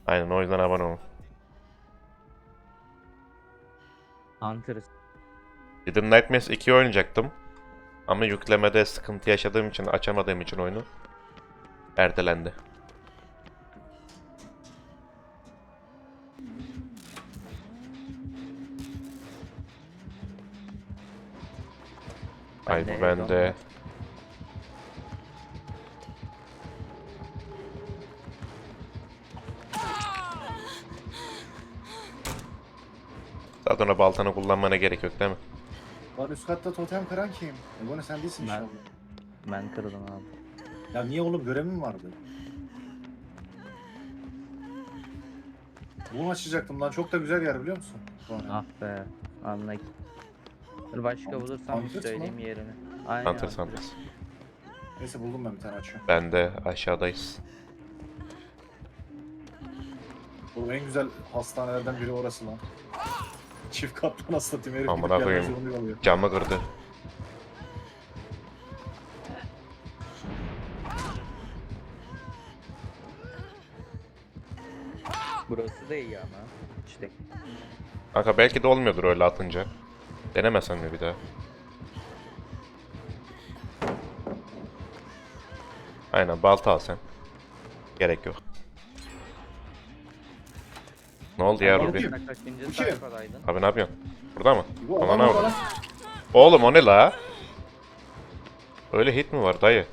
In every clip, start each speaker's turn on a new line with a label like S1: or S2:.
S1: Aynen o yüzden abone olun.
S2: Hunter.
S1: Little Nightmares 2'yi oynayacaktım. Ama yüklemede sıkıntı yaşadığım için, açamadığım için oyunu ertelendi. Ay bu bende. Zaten o baltanı kullanmana gerek yok değil mi?
S3: Lan üst katta totem kıran kim? Ebony sen değilsin
S2: Ben.
S3: inşallah.
S2: Ben kırdım abi.
S3: Ya niye oğlum görevim vardı? Bunu açacaktım lan çok da güzel yer biliyor musun? Sonra.
S2: Ah be. Anlayın. Dur başka bulursam
S3: Hunters
S2: söyleyeyim
S3: mı?
S2: yerini. Aynen.
S1: Hunters Hunters.
S3: Neyse buldum ben bir tane açıyorum.
S1: Ben de aşağıdayız.
S3: Oğlum en güzel hastanelerden biri orası lan. Çift katlı nasıl satayım herif
S1: Amına
S3: gidip gelmez
S1: koyayım.
S3: yolunu yalıyor.
S1: Camı kırdı.
S2: Burası da iyi ama. İşte.
S1: Kanka belki de olmuyordur öyle atınca. Denemesen mi bir daha? Aynen balta al sen. Gerek yok. Ne oldu ya
S3: Tamam,
S1: Ruby?
S3: değil.
S2: Kaçıncı
S3: Bu kim?
S2: sayfadaydın?
S1: Abi ne yapıyorsun? Burada mı?
S3: Bu
S1: Aman
S3: adam
S1: abi.
S3: falan.
S1: Oğlum o ne la? Öyle hit mi var dayı?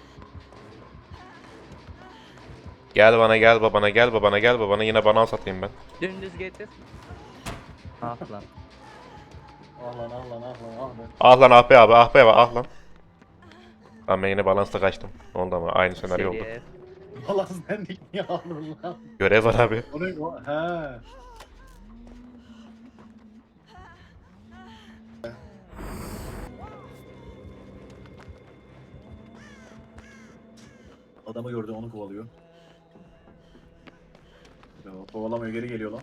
S1: Gel bana gel babana gel babana gel babana yine bana satayım ben.
S2: Dümdüz getir. Ah lan.
S3: Ah lan ah lan ah lan ah lan.
S1: Ah lan ah be abi ah be abi ah lan. Lan ben yine balansta kaçtım. Ne oldu ama aynı senaryo oldu.
S2: Seri F.
S3: Balans dendik niye aldın lan?
S1: Görev var abi.
S3: O ne o? He. Adamı gördü onu kovalıyor. Ya, kovalamıyor geri geliyor lan.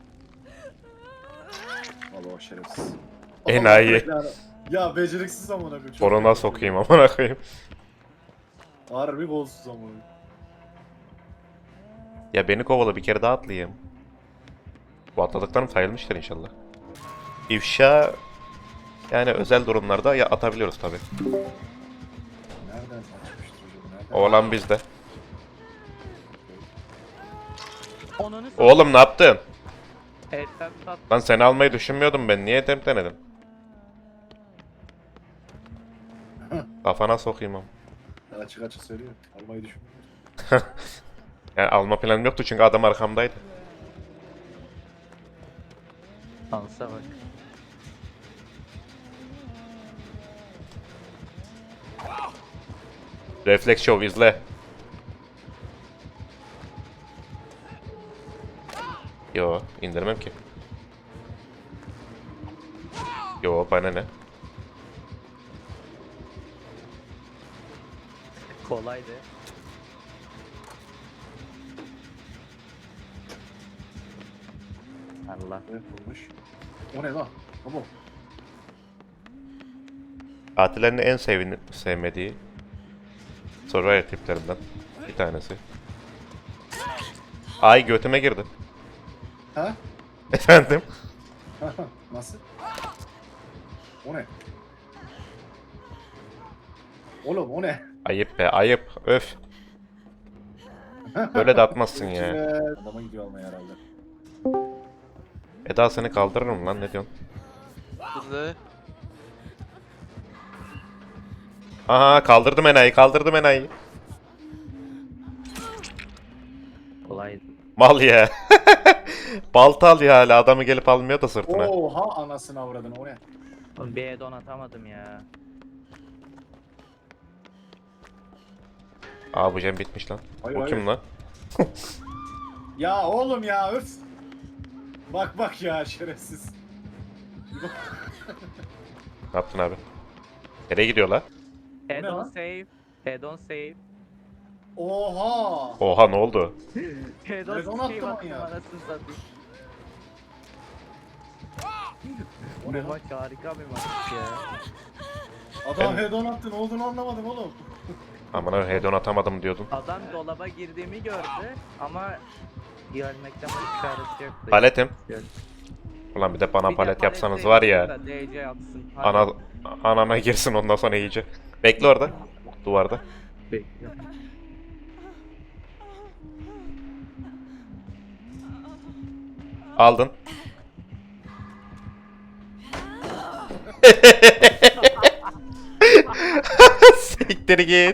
S3: Allah o şerefsiz.
S1: Enayi.
S3: Allah belanı. Ya beceriksiz amına koyayım. çok
S1: Korona
S3: kötü.
S1: sokayım amına koyayım.
S3: Harbi golsüz amına.
S1: Ya beni kovala bir kere daha atlayayım. Bu atladıklarım sayılmıştır inşallah. İfşa yani özel durumlarda ya atabiliyoruz tabi.
S3: Nereden açmıştır hocam? Nereden?
S1: Oğlan bizde.
S2: Onunu
S1: Oğlum ne yaptın?
S2: Etten tat.
S1: Lan seni almayı düşünmüyordum ben. Niye temp denedim? Kafana sokayım ama.
S3: Açık açık söylüyor. Almayı düşün.
S1: Yani alma planım yoktu çünkü adam arkamdaydı.
S2: Dansa bak.
S1: Reflex Show izle. Yo indirmem ki. Yo bana ne?
S2: Kolaydı. Allah.
S3: Evet bulmuş. O ne lan? Baba.
S1: Katillerin en sevmediği Survivor tiplerinden bir tanesi. Ay götüme girdi.
S3: Ha?
S1: Efendim?
S3: Nasıl? O ne? Oğlum o ne?
S1: Ayıp be ayıp. Öf. Böyle de atmazsın ya.
S3: Evet. Adama gidiyor almaya herhalde.
S1: Eda seni kaldırırım lan ne diyorsun?
S4: Hızlı.
S1: Aha kaldırdım enayi kaldırdım enayi.
S2: Kolaydı.
S1: Mal ya. Balta alıyor hala adamı gelip almıyor da sırtına.
S3: Oha anasını avradın o ne?
S2: Oğlum bir add-on atamadım ya.
S1: Aa bu Cem bitmiş lan.
S3: Hayır,
S1: O
S3: hayır.
S1: kim lan?
S3: Ya oğlum ya öf. Bak bak ya şerefsiz.
S1: Ne yaptın abi? Nereye gidiyor la?
S2: Head
S3: ne
S2: on
S3: lan?
S2: save. Head on save.
S3: Oha.
S1: Oha ne oldu?
S2: Head
S3: Head on
S2: on
S3: attı
S2: save
S3: lan
S2: attım
S3: ya.
S2: anasını satayım.
S3: O
S2: Bu
S3: ne lan?
S2: maç harika bir maç ya.
S3: Adam
S1: Ben-
S3: head-on attı ne olduğunu anlamadım oğlum.
S1: Aman abi hedon atamadım diyordun.
S2: Adam dolaba girdiğimi gördü ama Gelmekten bir çaresi yok.
S1: Paletim.
S2: Gel.
S1: Ulan bir de bana
S2: Bir de
S1: palet yapsanız
S2: palette
S1: var ya.
S2: yapsın da DC yapsın. Hadi.
S1: Anana girsin ondan sonra iyice. Bekle orada. Duvarda.
S2: Bekliyorum.
S1: Aldın. Siktir git.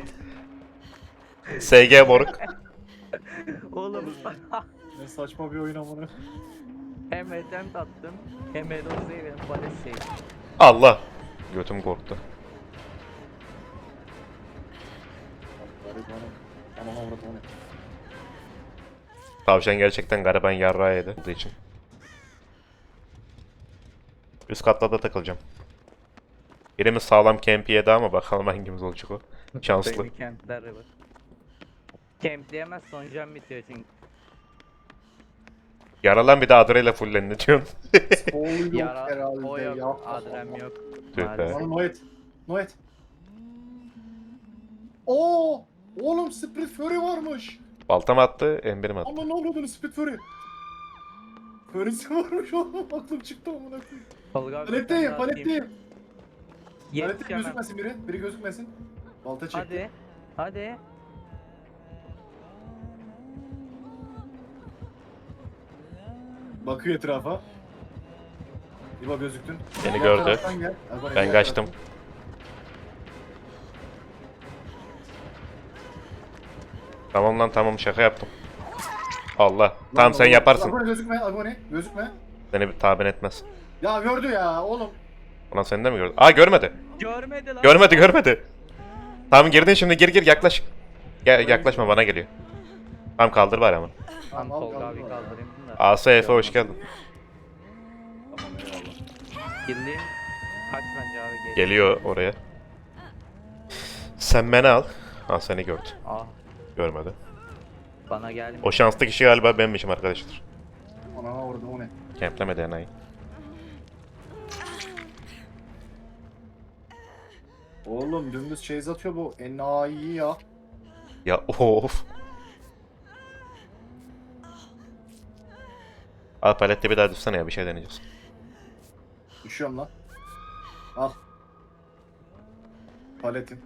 S1: SG moruk.
S2: Oğlum
S3: Ne saçma bir oyun amına.
S2: hem attempt attım hem Edo save hem palet save.
S1: Allah. Götüm korktu.
S3: Garip hanım. Aman avrat o ne?
S1: Tavşan gerçekten gariban yarrağı yedi olduğu için. Üst katlarda takılacağım. Birimiz sağlam camp yedi ama bakalım hangimiz olacak o. Şanslı.
S2: Baby campler var. Campleyemez son can bitiyor çünkü.
S1: Yaralan bir de adreyle fullen ne diyorsun?
S3: Sol yok
S2: Yara
S3: herhalde.
S2: o yok,
S3: Yapma.
S2: adrem yok.
S1: Tüh be.
S2: Maalesef.
S3: Bana Noet. Noet. Oo! Oğlum Split Fury varmış.
S1: Baltam attı, embirim attı.
S3: Ama ne oldu Split Fury? Fury'si varmış oğlum. Aklım çıktı amına koyayım.
S2: Tolga abi,
S3: Paletteyim,
S2: sen de atayım.
S3: paletteyim. Paletteyim
S2: Yetişemem.
S3: gözükmesin biri. Biri gözükmesin. Balta çek.
S2: Hadi. Hadi.
S3: Bakıyor etrafa. İbo gözüktün.
S1: Beni
S3: Diğer
S1: gördü.
S3: taraftan gel. Agone,
S1: Ben
S3: diğer
S1: kaçtım.
S3: taraftan.
S1: Tamam lan tamam şaka yaptım. Allah.
S3: Lan
S1: Tamam sen
S3: oğlum,
S1: yaparsın.
S3: Agone gözükme, Agone gözükme.
S1: Seni bir tabir etmez.
S3: Ya gördü ya oğlum.
S1: Ulan seni de mi gördü? Aa görmedi.
S2: Görmedi lan.
S1: Görmedi. Tamam girdin şimdi gir yaklaş. Yaklaşma bana geliyor. Tamam kaldır bari ama.
S2: Tamam
S3: Al,
S2: Tolga
S3: al,
S2: abi
S3: al.
S2: kaldırayım da.
S1: AS Efe hoş geldin.
S3: Tamam eyvallah.
S2: Girdiğim kaç bence abi geç.
S1: Geliyor oraya. Sen beni al. Ha seni gördü.
S2: Ah
S1: Görmedi.
S2: bana gelmiyor.
S1: O şanslı kişi galiba benmişim arkadaşlar.
S3: Ana orada o ne?
S1: Kemplemedi enayi.
S3: Oğlum dümdüz chase atıyor bu. Enayi ya.
S1: Ya of. Al palette bir daha düşsene ya bir şey deneyeceğiz.
S3: Düşüyorum lan. Al. Paletin.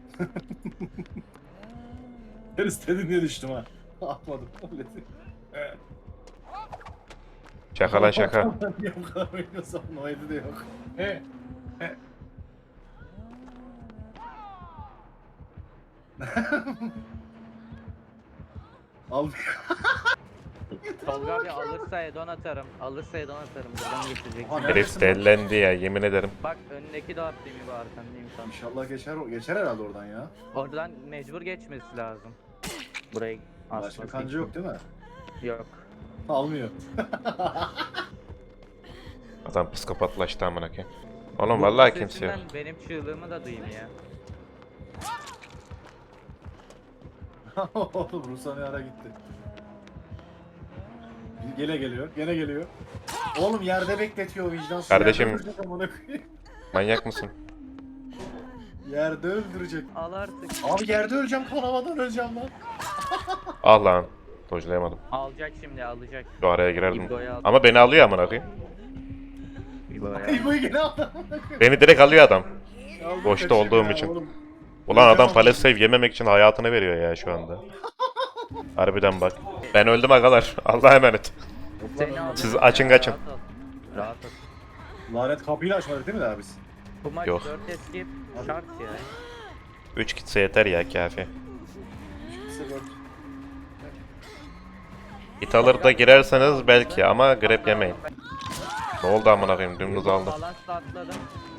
S3: Ben istedim diye düştüm ha. Atmadım paletin.
S1: Şaka lan şaka.
S3: Niye bu kadar oynuyorsam Noel'i de yok. He. He. Al.
S2: Tolga abi alırsa Edon atarım. Alırsa Edon atarım. Buradan geçecek.
S3: Aha,
S1: Herif
S3: neredesin lan?
S1: dellendi ya yemin ederim.
S2: Bak önündeki de attığım gibi arkandayım sana.
S3: İnşallah geçer herhalde oradan ya.
S2: Oradan mecbur geçmesi lazım. Buraya
S3: Başka
S2: asması
S3: kancı
S2: için.
S3: yok değil mi?
S2: Yok.
S3: Almıyor.
S1: Adam psikopatlaştı amına koyayım. Oğlum
S2: Bu
S1: vallahi kimse yok.
S2: sesinden benim çığlığımı da duyayım ya.
S3: Oğlum Rus'a ne ara gitti. Gene geliyor. Oğlum yerde bekletiyor vicdansız.
S1: Kardeşim.
S3: Yerde öldürecek amına koyayım.
S1: Manyak mısın?
S3: Yerde öldürecek.
S2: Al artık.
S3: Abi yerde öleceğim, kanamadan öleceğim lan.
S1: Al lan. Dojlayamadım.
S2: Alacak şimdi alacak.
S1: Şu araya girerdim.
S2: İbo'yu al.
S1: Ama beni alıyor amına koyayım.
S2: İbo'yu al.
S3: İbo'yu gene aldı amına koyayım.
S1: Beni direkt alıyor adam.
S3: Aldım,
S1: Boşta
S3: kaçayım
S1: olduğum
S3: ya
S1: için.
S3: oğlum.
S1: Ulan adam
S3: Öleceğim
S1: palet save yememek için hayatını veriyor ya şu anda. Harbiden bak. Ben öldüm agalar. Allah'a emanet.
S2: Seni al.
S1: Siz açın kaçın.
S2: Rahat ol. Rahat ol.
S3: Lanet kapıyı açmadık değil mi daha biz?
S2: Bu maç
S1: Yok.
S2: 4 escape şart ya.
S1: 3 gitse yeter ya kafi.
S3: İkisi dört.
S1: Hit alır da girerseniz belki ama grab yemeyin. Ne oldu amına koyayım dümdüz aldım.
S2: Balansla atladım.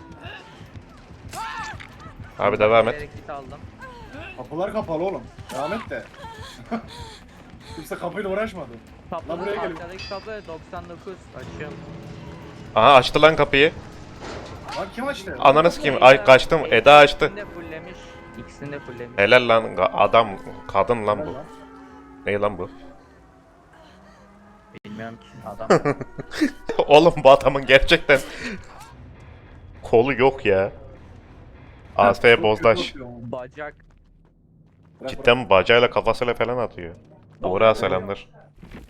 S1: Abi devam et.
S2: Bilerek hit aldım.
S3: Kapılar kapalı oğlum. Devam et de. Kimse kapıyla uğraşmadı.
S2: Kapının
S3: buraya geliyor.
S2: arkadaki kapı 99 açıyorum.
S1: Aha açtı lan kapıyı.
S3: Lan kim açtı?
S1: Ananı sikeyim. Ay kaçtım. Eda açtı.
S2: İkisini de fulllemiş. İkisini de fulllemiş.
S1: Helal lan adam kadın lan bu.
S3: Lan.
S1: Ne lan bu?
S2: Bilmiyorum ki adam.
S1: Oğlum bu adamın gerçekten kolu yok ya. AS bozdaş.
S2: Bacak.
S3: Bırak,
S1: Cidden bacayla kafasıyla falan atıyor. Doğru selamlar.